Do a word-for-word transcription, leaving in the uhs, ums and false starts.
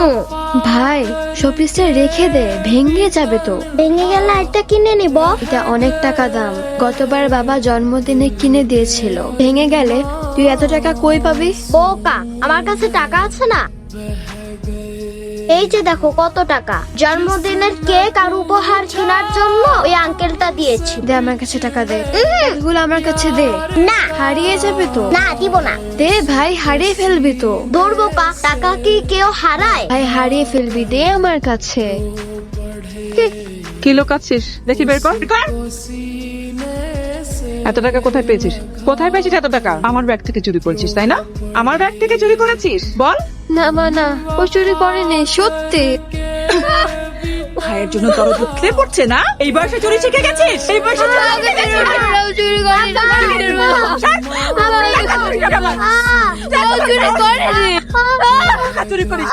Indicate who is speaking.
Speaker 1: ভাই শোপিসটা রেখে দে, ভেঙে যাবে তো।
Speaker 2: ভেঙে গেলে একটা কিনে নিব।
Speaker 1: এটা অনেক টাকা দাম, গতবার বাবা জন্মদিনে কিনে দিয়েছিল। ভেঙে গেলে তুই এত টাকা কই পাবি?
Speaker 2: বোকা, আমার কাছে টাকা আছে না। এই যে দেখো কত টাকা, জন্মদিনের কেক আর উপহার কেনার জন্য ওই আঙ্কেলটা দিয়েছি।
Speaker 1: দে আমার কাছে টাকা দে, এগুলো আমার কাছে দে।
Speaker 2: না
Speaker 1: হারিয়ে যাবে তো।
Speaker 2: না, দিব না।
Speaker 1: দে ভাই, হারিয়ে ফেলবি তো।
Speaker 2: দূর বোকা, টাকা কি কেউ হারায়?
Speaker 1: ভাই হারিয়ে ফেলবি, দে আমার কাছে।
Speaker 3: কি লোকাচ্ছিস দেখি, বের কর বের কর। এত টাকা কোথায় পেয়েছিস? কোথায় পেয়েছিস এত টাকা? আমার ব্যাগ থেকে চুরি করেছিস তাই না? আমার ব্যাগ থেকে চুরি করেছিস বল।
Speaker 1: না মা না, ও চুরি করেনি, সত্যি।
Speaker 3: ভাইয়ের জন্য দরদ খেয়ে পড়ছে না? এই বয়সে চুরি শিখে গেছিস? এই বয়সে চুরি শিখে গেছিস?
Speaker 1: আমরাও চুরি করি না।
Speaker 3: ছাড়। টাকা চুরি করে আমার।
Speaker 2: আহ!
Speaker 1: চুরি করেনি।
Speaker 3: টাকা চুরি করিস